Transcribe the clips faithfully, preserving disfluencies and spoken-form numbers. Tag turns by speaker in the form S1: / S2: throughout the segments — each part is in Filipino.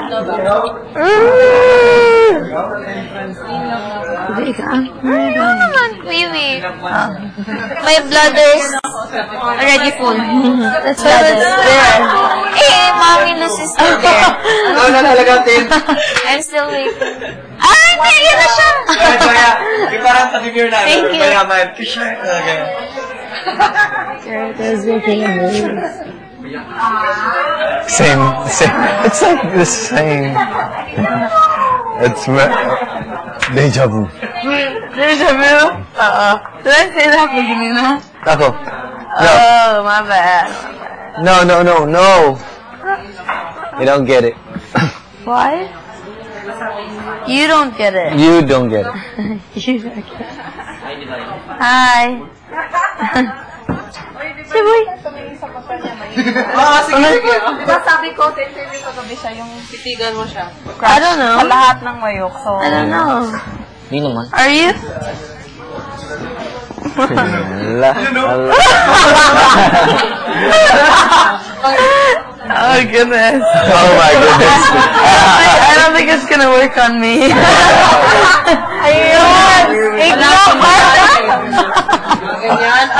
S1: Wee wee. My bladder is already full. That's why it's there. Eh, mommy loses still there.
S2: Ano na nalagatin?
S1: I'm still waiting. Ah, hindi! Yan na siya!
S2: Kaya, yung parang tabi-beer na.
S1: Thank you.
S2: Mayaman. Okay.
S3: Same, same. It's like the same. It's deja vu.
S4: Deja vu? Uh-oh. Did I say that beginning na?
S3: Ako. No.
S4: Oh, my bad.
S3: No, no, no, no. You don't get it.
S4: Why? You don't get it.
S3: You don't get it.
S4: You don't get it. Hi. Si Boy.
S2: Ah, sige, sige.
S4: Diba sabi ko, sa interview ko gabi siya, yung titigan mo siya. I don't know. Sa lahat ng mayok, so... I don't know.
S1: Hindi naman.
S4: Are you?
S3: Allah. Allah.
S4: Oh, goodness.
S3: Oh, my goodness.
S4: I don't think it's gonna work on me. Ayun! Ignore ba?
S2: Ganyan.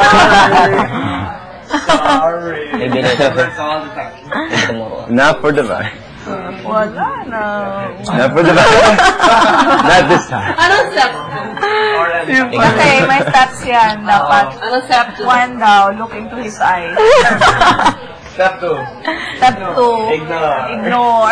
S1: Maybe later.
S3: Not for the vibe.
S4: Wala na.
S3: Not for the vibe. Not this time.
S4: Anong step? Okay, may steps yan. Dapat. Anong step? One daw, look into his eyes.
S2: Step two.
S4: Step two,
S2: Ignore.
S4: Ignore.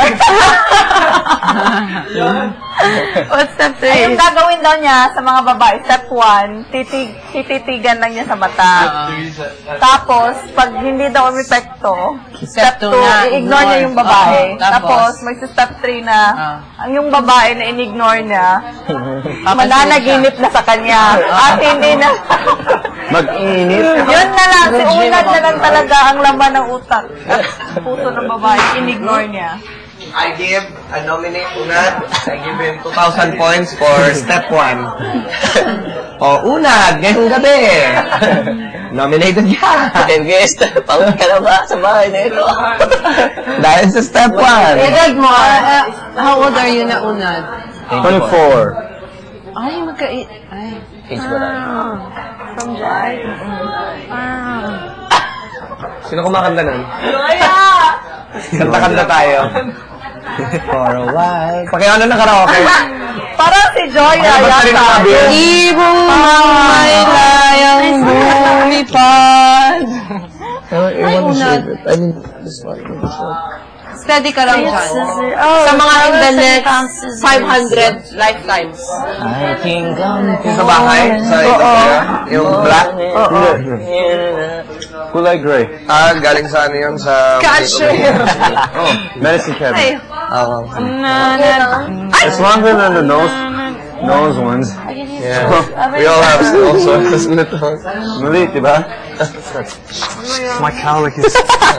S4: What's step three? Ay, yung gagawin daw niya sa mga babae, step one, titig, tititigan lang niya sa mata. Tapos, pag hindi daw umepekto, step two, i-ignore niya yung babae. Tapos, may step three na, ang yung babae na in-ignore niya, mananaginip na sa kanya. At hindi na...
S3: Mag-init.
S4: Yun na lang, si Unad na lang talaga ang laman ng utak. Puso ng babae, in-ignore niya.
S2: I give, I nominate Unad. I give him two thousand points for step one. O, Unad, ngayong gabi. Nominated ka.
S1: Guest, pawag ka na ba sa bahay na ito?
S2: Dahil sa step one.
S4: Edad mo, uh, how old are you na Unad?
S3: twenty-four.
S4: Ay, magka... Ay.
S1: Age ba tayo?
S4: From July? Ah.
S2: Sino kumakanta nun?
S4: Joya!
S2: Kanta-kanta tayo. For a while. Pakiano ng karaoke.
S4: Parang si Joya yata.
S2: Ibong
S4: may layang lumipad.
S3: I want to save it. I mean, this one. This one.
S4: Steady ka lang dyan.
S1: Oh,
S4: sa mga in the next five hundred lifetimes.
S1: I think I'm
S2: Sa bahay? Sa ito yung black?
S3: Oo. Kulay gray.
S2: Ah, galing sa ano yun? Sa...
S4: Catcher!
S3: Oh, medicine cabinet.
S2: Oo.
S3: It's longer than the nose nose ones.
S2: Yeah. We all have also little.
S3: Maliit, di ba? My cowlick is...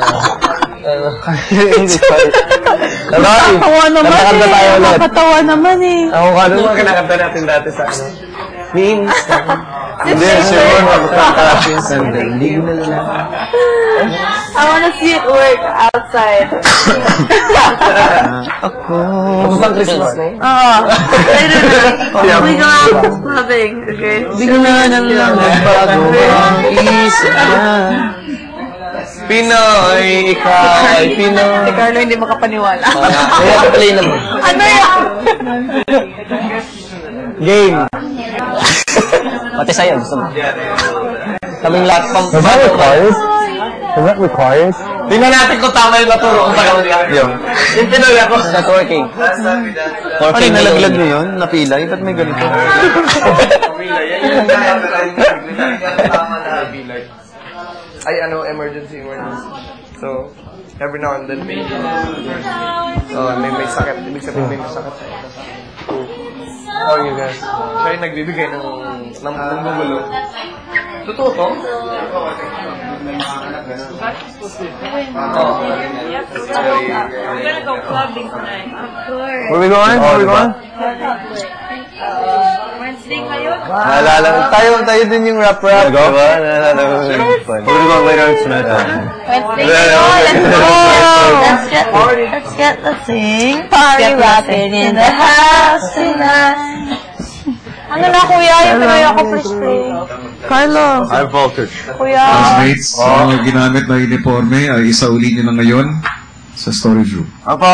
S4: Nakakatawa naman eh. Nakakatawa naman eh.
S2: Ako ka ano mga kinakanta natin dati sa ano? Minsan.
S3: Hindi, siguro magkakapinsan din. Hindi na lang.
S4: I wanna see it work outside.
S3: Ako.
S2: Bang Christmas na yun?
S4: Oo. Later na. We go out clubbing. Okay?
S3: Bigla na lang nagbago ang isa.
S2: Pinoy, ikaw ay Pinoy.
S4: Si Carlo hindi makapaniwala.
S2: Kaya play na mo.
S4: Ano yan?
S2: Game.
S1: Pati sa'yo, gusto mo.
S2: Kaming lahat pang...
S3: Is that required? Is that required?
S2: Tingnan natin kung tama yung maturo kung tagal niya.
S3: Yung.
S2: Yung Pinoy ako.
S1: Networking.
S3: Ano,
S1: Working
S3: nalaglag niyo yun? Napila? Ba't may ganito?
S2: Ay, ano, emergency, emergency. So, every now and then, may, oh, may, may sakit. Ibig sabihin, may masakit sa ito. How are you guys? Siya yung nagbibigay ng, ng, ng gugulo. Totoo to? Oh.
S4: We're gonna go clubbing tonight. Of course.
S3: Where are we going? Where are we going?
S4: Uh, we're in
S3: Naalala ko. Tayo, tayo din yung rap-rap. Diba? Naalala ko. What about later on tonight?
S1: Wednesday kayo, let's go! Let's get, let's get the thing. Party rapping in the house tonight. Ano na, kuya? Yung pinoy ako, please play. Carlo.
S3: I'm Voltage.
S1: Kuya.
S5: Classmates, ang ginamit na uniforme ay isauli nyo na ngayon sa storage room.
S3: Apo.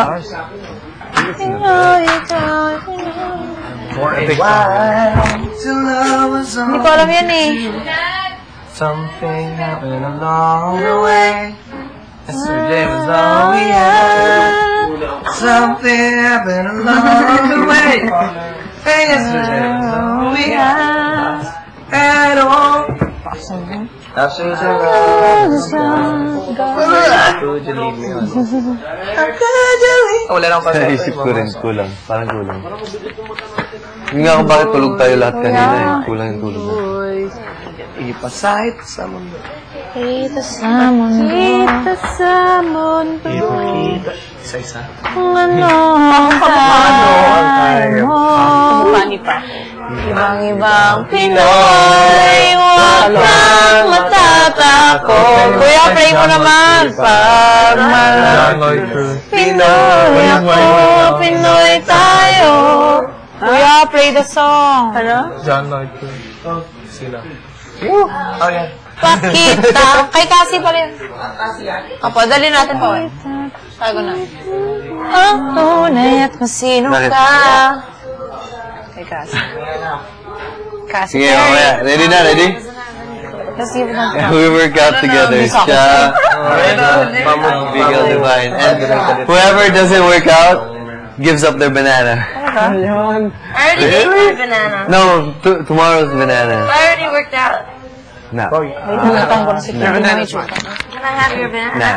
S1: Hindi ko alam yan eh.
S2: Something happened along the way. Yesterday was all we had. Something happened along the way. And yesterday was all we had. At all. After the love is gone. How could you leave me on? How could you leave me? Wala lang pa sa
S3: Naisip ko rin, kulang. Parang kulang. Hindi nga kung bakit tulog tayo lahat kanina eh. Kulang yung tulog na.
S2: Ipasahit sa mundo.
S1: Kita sa mundo. Kita sa mundo.
S2: Ipakita. Isa-isa.
S1: Kung ano ang kaya mo.
S4: Pani pa.
S1: Ibang-ibang Pinoy, huwag kang matatakot. Kuya, pray mo naman. Pag malaki Pinoy ako, Pinoy tayo. Kuya, play the song. Ano?
S2: John Lloyd Cruz. Oh, sila. Oh, yeah.
S1: Pakita. Kay Cassie pala yun. Opo, dali natin po eh. Sago na. Ang tunay at kung sino ka. Kay Cassie. Cassie.
S3: Sige, mamaya. Ready na, ready?
S1: Let's give it a
S3: We work out together. Siya, Bigel Divine. And whoever doesn't work out, gives up their banana.
S1: I already ate my banana.
S3: No, t tomorrow's banana.
S1: I already worked out.
S3: No.
S1: Can I have your banana?
S3: No.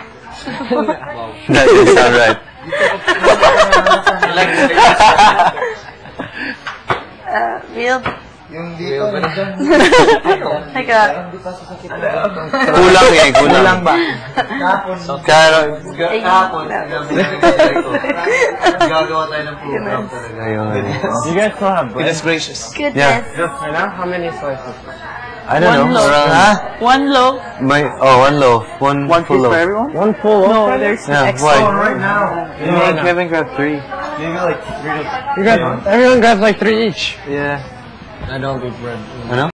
S3: That doesn't sound right.
S1: Uh, real?
S2: Yung dito na dyan.
S1: Like a...
S3: Kulang eh, kulang.
S2: Kulang ba?
S3: Karo.
S2: Kahapon. Gagawa tayo ng program talaga.
S3: Ayun.
S2: You guys still have bread? Goodness gracious.
S3: Yeah.
S1: Goodness.
S2: How many slices?
S3: I don't
S4: One
S3: know.
S4: loaf.
S3: Around,
S4: Huh? One loaf.
S3: my, oh, one loaf. One,
S2: One
S3: full
S2: piece
S3: loaf.
S2: for everyone? One full loaf?
S4: No, there's
S3: Yeah,
S4: extra.
S3: why?
S2: Right now.
S3: You make Kevin grab three.
S2: Maybe like three.
S6: You got, everyone grabs like three each.
S3: Yeah.
S2: I don't do bread.
S3: Ano?